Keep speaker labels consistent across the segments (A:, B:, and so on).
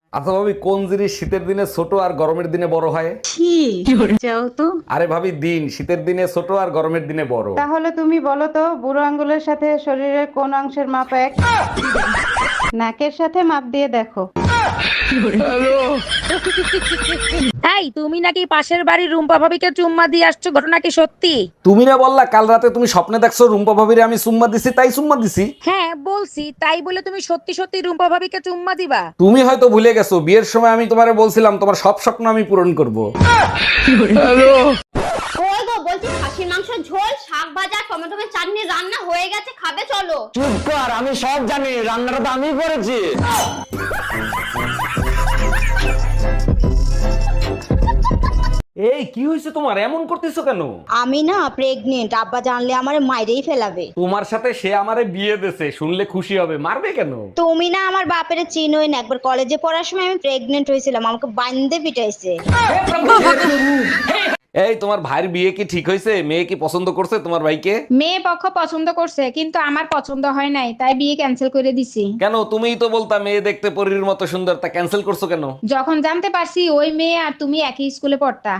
A: আচ্ছা ভাবি, কোন জিনিস শীতের দিনে ছোট আর গরমের দিনে বড় হয়?
B: কি যাও তো।
A: আরে ভাবি, দিন শীতের দিনে ছোট আর গরমের দিনে বড়।
C: তাহলে তুমি বলো তো, বুড়ো আঙ্গুলের সাথে শরীরের কোন অংশের মাপ এক? নাকের সাথে মাপ দিয়ে দেখো।
B: এই তুমি নাকি পাশের বাড়ির রুম্পা ভাবিকে চুম্মা দিয়ে আসছো, ঘটনা কি সত্যি?
A: তুমি না বললা কাল রাতে তুমি স্বপ্নে দেখছো রুম্পা ভাবিরে আমি চুম্মা দিছি, তাই চুম্মা দিছি।
B: হ্যাঁ বলছি, তাই বলে তুমি সত্যি সত্যি রুম্পা ভাবিকে চুম্মা দিবা?
A: তুমি হয়তো ভুলে গেছো, বিয়ের সময় আমি তোমারে বলছিলাম তোমার সব স্বপ্ন আমি পূরণ করব।
D: ওই গো, বলছি খাসির মাংসের ঝোল, শাক ভাজা, টমেটো চাটনি রান্না হয়ে গেছে, খাবে চলো।
E: চুপ কর, আমি সব জানি, রান্নাটা তো আমি করেছি।
A: এই কি হয়েছে তোমার, এমন করতেছো কেন?
D: আমি না প্রেগনেন্ট, আব্বা জানলে আমার মাইরেই ফেলাবে।
A: তোমার সাথে সে আমারে বিয়ে দেছে, শুনলে খুশি হবে, মারবে কেন?
D: তুমি না আমার বাপের চিনোই না, একবার কলেজে পড়ার সময় আমি প্রেগনেন্ট হয়েছিলাম, আমাকে বান্ধে পিটাইছে।
A: এই তোমার ভাইয়ের বিয়ে কি ঠিক হয়েছে? মেয়ে কি পছন্দ করছে তোমার ভাইকে?
F: মেয়ে পক্ষ পছন্দ করছে, কিন্তু আমার পছন্দ হয় নাই, তাই বিয়ে ক্যান্সেল করে দিছি।
A: কেন, তুমিই তো বলতা মেয়ে দেখতে পরীর মতো সুন্দর, তা ক্যান্সেল করছো কেন?
F: যখন জানতে পারছি ওই মেয়ে আর তুমি একই স্কুলে পড়তা।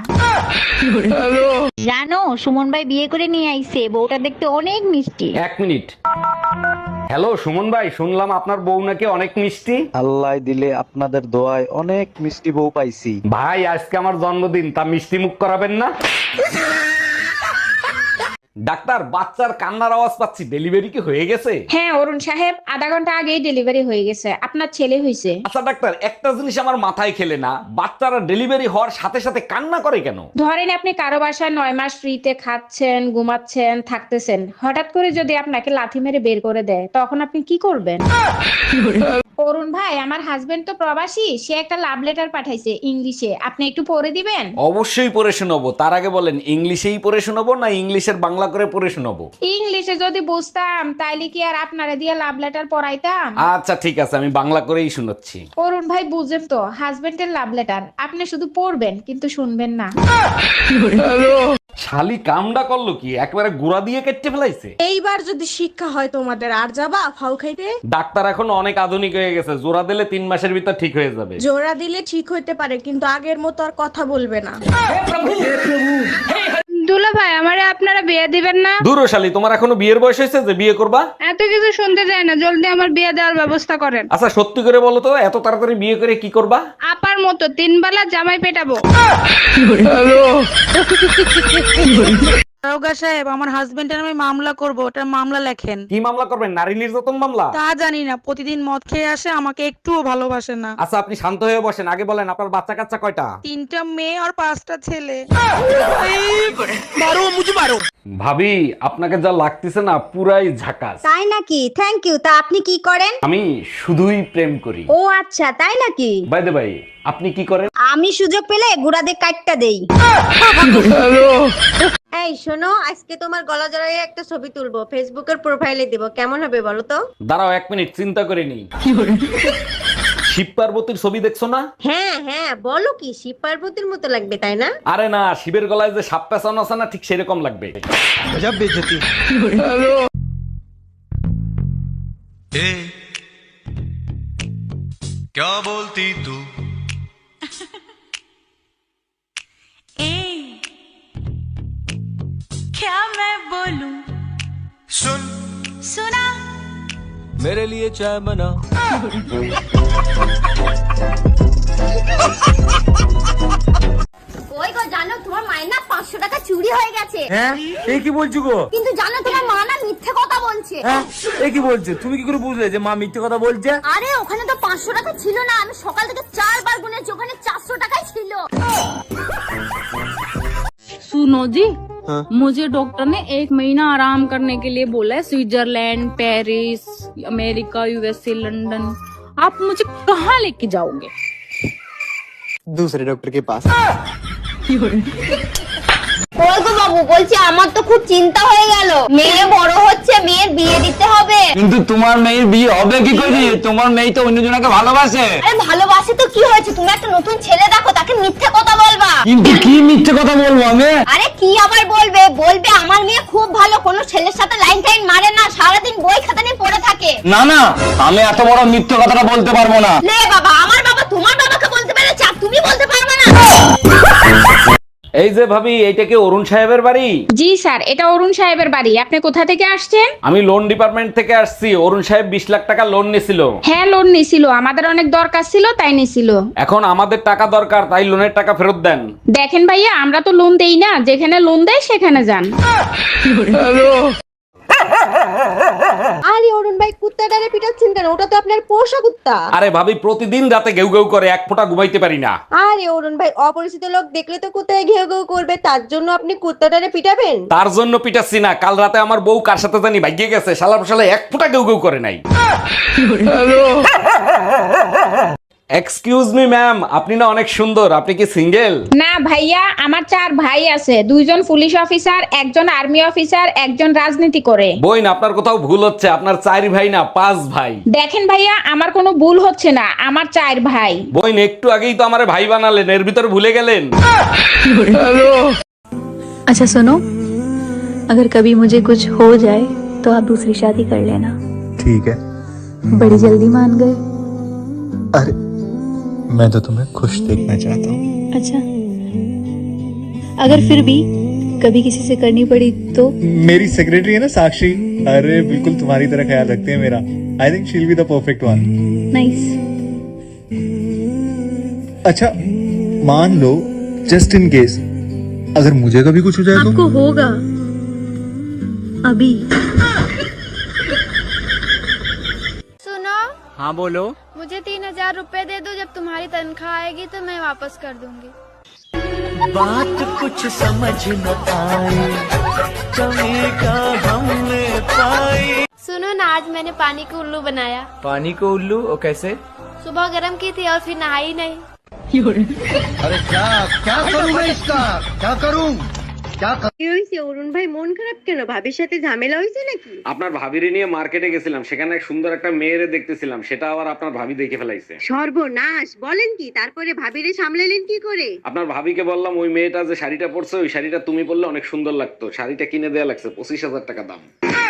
G: জানো সুমন ভাই বিয়ে করে নিয়ে আইছে, বউটা দেখতে অনেক মিষ্টি।
A: এক মিনিট। হ্যালো সুমন ভাই, শুনলাম আপনার বউ নাকি অনেক মিষ্টি।
H: আল্লাহ দিলে আপনাদের দোয়ায় অনেক মিষ্টি বউ পাইছি।
A: ভাই আজকে আমার জন্মদিন, তা মিষ্টি মুখ করাবেন না? ডাক্তার, বাচ্চার কান্নার আওয়াজ পাচ্ছি, ডেলিভারি কি হয়ে গেছে?
F: হ্যাঁ অরুণ সাহেব, আধা ঘন্টা আগেই ডেলিভারি হয়ে গেছে, আপনার ছেলে হয়েছে।
A: আচ্ছা ডাক্তার, একটা জিনিস আমার মাথায় খেলে না, বাচ্চারা ডেলিভারি হওয়ার সাথে সাথে কান্না করে কেন?
F: ধরেন আপনি কারো বাসায় 9 মাস ফ্রিতে খাচ্ছেন, ঘুমাচ্ছেন, থাকতেছেন, হঠাৎ করে যদি আপনাকে লাথি মেরে বের করে দেয়, তখন আপনি কি করবেন? অরুণ ভাই, আমার হাজবেন্ড তো প্রবাসী, সে একটা লাভ লেটার পাঠাইছে ইংলিশে, আপনি একটু পড়ে দিবেন?
A: অবশ্যই পড়ে শোনাবো, তার আগে বলেন ইংলিশেই পড়ে শোনাবো না ইংলিশের বাংলা করে পড়ে শোনাবো?
F: ইংলিশে যদি বুঝতাম তাইলে কি আর আপনারে দিয়ে লাভ লেটার পড়াইতাম?
A: আচ্ছা ঠিক আছে, আমি বাংলা করেই শোনাচ্ছি।
F: অরুণ ভাই বুঝেন তো, হাজবেন্ডের লাভ লেটার, আপনি শুধু পড়বেন কিন্তু শুনবেন না।
A: শালি কামডা করলো কি, একবারে গুড়া দিয়ে কেটে ফেলাইছে।
B: এইবার যদি শিক্ষা হয় তোমাদের, আর যাবা ফাউ খাইতে?
A: ডাক্তার এখন অনেক আধুনিক হয়ে গেছে, জোড়া দিলে 3 মাসের ভিতর ঠিক হয়ে যাবে।
B: জোড়া দিলে ঠিক হইতে পারে, কিন্তু আগের মতো আর কথা বলবে না।
F: দুলা ভাই, আমারে আপনারা বিয়ে দিবেন না?
A: দূর ও শালি, তোমার এখনো বিয়ের বয়স হয়েছে যে বিয়ে করবা?
F: এত কিছু শুনতে চাই না, জলদি আমার বিয়ে দেওয়ার ব্যবস্থা করেন।
A: আচ্ছা সত্যি করে বলো তো, এত তাড়াতাড়ি বিয়ে করে কি করবা?
F: আপার মতো 3 বেলা জামাই পেটাবো।
B: দারোগা সাহেব, আমার হাজবেন্ডের আমি মামলা করব, ওটার মামলা লেখেন।
A: কি মামলা করবেন? নারী নির্যাতন মামলা?
B: তা জানি না, প্রতিদিন মদ খেয়ে আসে, আমাকে একটুও ভালোবাসে না।
A: আচ্ছা আপনি শান্ত হয়ে বসেন, আগে বলেন আপনার বাচ্চা কাচ্চা কয়টা?
B: 3টা মেয়ে আর 5টা ছেলে।
A: ভাবি, আপনাকে যা লাগতেছে না পুরাই ঝাকাস।
D: তাই নাকি? Thank you. তা আপনি কি করেন?
A: আমি শুধুই প্রেম করি।
D: ও আচ্ছা, তাই নাকি?
A: বাই দ্য বাই, আপনি কি করেন?
D: আমি সুযোগ পেলে গুড়াদের কাটটা দেই। এই শোনো, আজকে তোমার গলা জড়াইয়ে একটা ছবি তুলবো, ফেসবুকের প্রোফাইলে দিব, কেমন হবে বলো তো?
A: দাঁড়াও 1 মিনিট, চিন্তা করে নি। শিব পার্বতীর ছবি দেখছো না?
D: হ্যাঁ হ্যাঁ, বলো কি, শিব পার্বতীর মতো লাগবে তাই না?
A: আরে না, শিবের গলায় যে সাপ পেঁচানো আছে না, ঠিক সেরকম লাগবে।
I: क्या बोलती तू?
G: क्या मैं बोलूं?
I: सुन
G: सुना?
I: मेरे लिए चाय बना।
D: ওই গো, জানো তোমার মায়ের না 500 টাকা চুরি হয়ে গেছে।
E: হ্যাঁ, এই কি বলছো গো?
D: কিন্তু জানো তোমার মা না মিথ্যে কথা বলছে।
E: হ্যাঁ, এই কি বলছো? তুমি কি করে বুঝলে যে মা মিথ্যে কথা বলছে?
D: আরে ওখানে তো 500 টাকা ছিল না, আমি সকাল থেকে 4 বার গুনেছি, ওখানে 400 টাকাই ছিল।
J: सुनो जी, मुझे डॉक्टर ने 1 महीना आराम करने के लिए बोला है, Switzerland, Paris, America, USA, London. आप मुझे कहाँ लेके जाओगे?
E: दूसरे डॉक्टर के पास।
D: ওই গো বাবু, বলছি আমার তো খুব চিন্তা হয়ে গেল, মেয়ে বড় হচ্ছে, মেয়ের বিয়ে দিতে হবে।
E: কিন্তু তোমার মেয়ের বিয়ে হবে কি করে? তোমার মেয়ে তো অন্যজনকে ভালোবাসে।
D: আরে ভালোবাসে তো কি হয়েছে, তুমি একটা নতুন ছেলে দেখো, তাকে মিথ্যে কথা বলবা।
E: কিন্তু কি মিথ্যে কথা বলবো আমি?
D: আরে কি আবার বলবে, বলবে আমার মেয়ে খুব ভালো, কোনো ছেলের সাথে লাইন টাইন মারে না, সারাদিন বই খাতা নিয়ে পড়ে থাকে।
E: না না, আমি এত বড় মিথ্যে কথাটা বলতে পারবো না।
D: লে বাবা, আমার বাবা তোমার বাবা
A: এই যে ভাবি, এইটা কি অরুণ সাহেবের বাড়ি?
F: জি স্যার, এটা অরুণ সাহেবের বাড়ি। আপনি কোথা থেকে আসছেন?
A: আমি লোন ডিপার্টমেন্ট থেকে আসছি। অরুণ সাহেব 20 লাখ টাকা লোন নিছিল।
F: হ্যাঁ, লোন নিছিল, আমাদের অনেক দরকার ছিল তাই নিছিল।
A: এখন আমাদের টাকা দরকার, তাই লোনের টাকা ফেরত দেন।
F: দেখেন ভাইয়া, আমরা তো লোন দেই না, যেখানে লোন দেয় সেখানে যান।
D: আরে অরুণ ভাই, কুত্তাটারে পিটাচ্ছেন কেন? ওটা তো আপনার পোষা কুত্তা।
A: আরে ভাবি, প্রতিদিন রাতে ঘেউ ঘেউ করে, এক ফোঁটা ঘুমাইতে পারি না।
D: আরে অরুণ ভাই, অপরিচিত লোক দেখলে তো কুত্তায় ঘেউ ঘেউ করবে, তার জন্য আপনি কুত্তাটারে পিটাবেন?
A: তার জন্য পিটাচ্ছি না, কাল রাতে আমার বউ কার সাথে জানি ভাগিয়ে গেছে, শালা শালা এক ফোঁটা ঘেউ ঘেউ করে নাই। এক্সকিউজ মি ম্যাম, আপনি না অনেক সুন্দর, আপনি কি সিঙ্গেল?
F: না ভাইয়া, আমার 4 ভাই আছে, 2জন পুলিশ অফিসার, 1জন আর্মি অফিসার, 1জন রাজনীতি করে।
A: বইন, আপনার কোথাও ভুল হচ্ছে, আপনার 4 ভাই না 5 ভাই।
F: দেখেন ভাইয়া, আমার কোনো ভুল হচ্ছে না, আমার 4 ভাই।
A: বইন, একটু আগেই তো আমারে ভাই বানালেন, এর ভিতর ভুলে গেলেন।
J: अच्छा सुनो, अगर कभी मुझे कुछ हो जाए तो आप दूसरी शादी कर लेना।
H: ठीक है।
J: बड़ी जल्दी मान गए।
H: अरे मैं तो तुम्हें खुश देखना चाहता हूँ।
J: अच्छा, अगर फिर भी कभी किसी से करनी पड़ी तो?
H: मेरी सेक्रेटरी है ना साक्षी, अरे बिल्कुल तुम्हारी तरह ख्याल रखते हैं मेरा। I think she will be the perfect one.
J: Nice.
H: अच्छा मान लो, जस्ट इन केस अगर मुझे कभी कुछ हो जाए तो?
J: आपको होगा अभी।
G: सुनो,
E: हाँ बोलो।
G: मुझे 3000 रुपए दे दो, जब तुम्हारी तनख्वाह आएगी तो मैं वापस कर दूंगी।
I: बात कुछ समझ न आई, कमी का हमने पाई।
G: सुनो ना, आज मैंने पानी को उल्लू बनाया।
E: पानी को उल्लू? और कैसे?
G: सुबह गर्म की थी और फिर नहाई नहीं।
C: কি হয়েছে অরুণ ভাই, মন খারাপ কেন? ভাবির সাথে ঝামেলা হয়েছে নাকি?
A: আপনার ভাবিরে নিয়ে মার্কেটে গেছিলাম, সেখানে এক সুন্দর একটা মেয়েরে দেখতেছিলাম, সেটা আবার আপনার ভাবি দেখে ফেলাইছে।
C: সর্বনাশ, বলেন কি? তারপরে ভাবিরে সামলালেন কি করে?
A: আপনার ভাবিকে বললাম, ওই মেয়েটা যে শাড়িটা পরছে, ওই শাড়িটা তুমি পরলে অনেক সুন্দর লাগতো। শাড়িটা কিনে দেয়া লাগছে 25,000 টাকা দাম।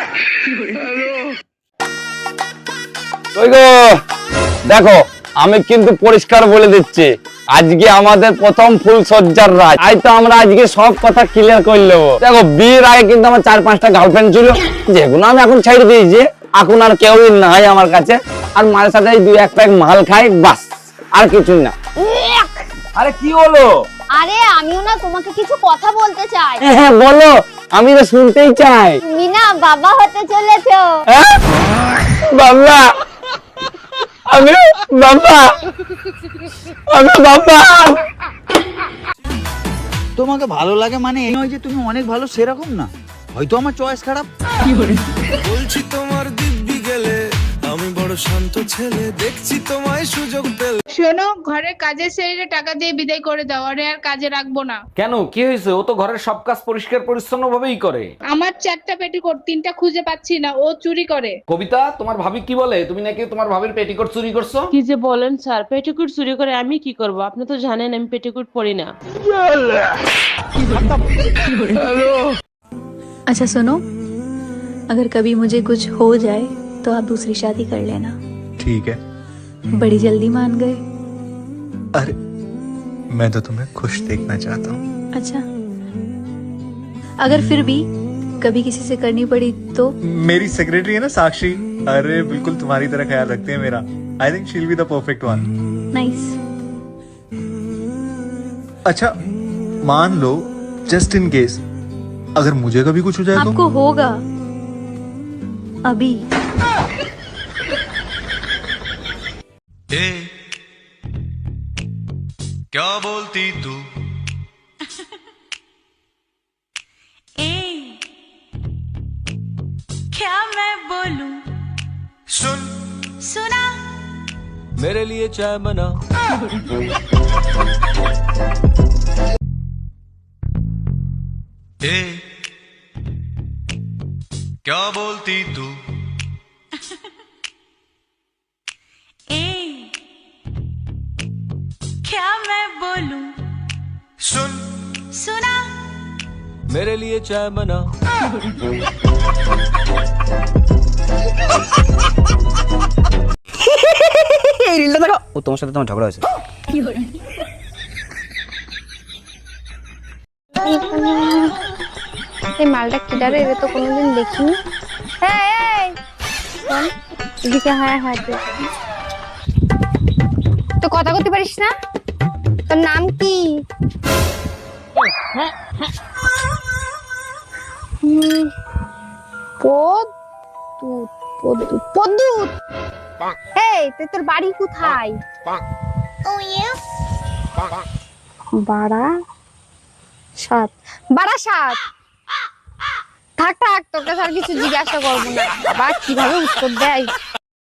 E: ওই গো, দেখো আমি কিন্তু পরিষ্কার বলে দিচ্ছি, আজকে আমাদের প্রথম ফুল সজ্জার রাত। আজ তো আমরা আজকে সব কথা ক্লিয়ার করে নেবো। দেখো, বিয়ের আগে কিন্তু আমার 4-5টা গার্লফ্রেন্ড ছিল, যেগুলো আমি এখন ছেড়ে দিয়েছি। এখন আর কেউই নাই আমার কাছে, আর মায়ের সাথে 2-1 প্যাক মাল খাই, বাস, আর কিছুই না। আরে কি হলো?
D: আরে আমিও না তোমাকে কিছু কথা বলতে চাই।
E: হ্যাঁ বলো, আমি তো শুনতেই চাই।
D: তুমি না বাবা হতে চলেছো।
E: হ্যাঁ? বাবা, আমি বাবা, আমি বাবা।
K: তোমাকে ভালো লাগে মানে এই নয় যে তুমি অনেক ভালো, সেরকম না। হয়তো আমার চয়েস খারাপ।
I: বলছি তোমার দিব্যি গেলে, আমি বড় শান্ত ছেলে, দেখছি তোমায় সুযোগ পেলে।
F: শোনো, ঘরের কাজের ছেড়ে টাকা দিয়ে বিদায় করে দাও, আরে আর কাজে রাখবো না।
A: কেন, কি হয়েছে? ও তো ঘরের সব কাজ পরিষ্কার পরিচ্ছন্ন ভাবেই করে।
F: আমার 4টা পেটিকোট, 3টা খুঁজে পাচ্ছি না, ও চুরি করে।
A: কবিতা, তোমার ভাবি কি বলে? তুমি নাকি তোমার ভাবির পেটিকোট চুরি করছো?
J: কি যে বলেন স্যার, পেটিকুট চুরি করে আমি কি করব? আপনি তো জানেন আমি পেটিকুট পরি না। अच्छा सुनो, अगर कभी मुझे कुछ हो जाए तो आप दूसरी शादी कर लेना।
H: ठीक है।
J: बड़ी जल्दी मान गए।
H: अरे मैं तो तुम्हें खुश देखना चाहता हूँ।
J: अच्छा, अगर फिर भी कभी किसी से करनी पड़ी तो?
H: मेरी सेक्रेटरी है ना साक्षी, अरे बिल्कुल तुम्हारी तरह ख्याल रखते हैं मेरा। I think she will be the perfect one.
J: Nice.
H: अच्छा मान लो, जस्ट इन केस अगर मुझे कभी कुछ हो जाए तो?
J: आपको होगा अभी।
I: ए, क्या बोलती तू?
J: क्या मैं बोलूं?
I: सुन,
J: सुना?
I: मेरे लिए चाय बना। ए, क्या बोलती तू?
J: क्या मैं बोलूं?
I: सुन,
J: सुना?
I: मेरे लिए चाय बना।
K: এই রিলটা দেখো, ও তোমার সাথে তোমার ঝগড়া হয়েছে।
D: এই মালটা কিডারে এর তো কোনোদিন দেখিনি। এই শোন, এদিকে হ্যাঁ তো কথা বলতে পারিস না? তোর নাম কি? পদ্মুত। এই তোর বাড়ি কোথায়? বারাসাত। থাক তোকে আর কিছু জিজ্ঞাসা করবো না। বাবা কিভাবে উত্তর দেয়।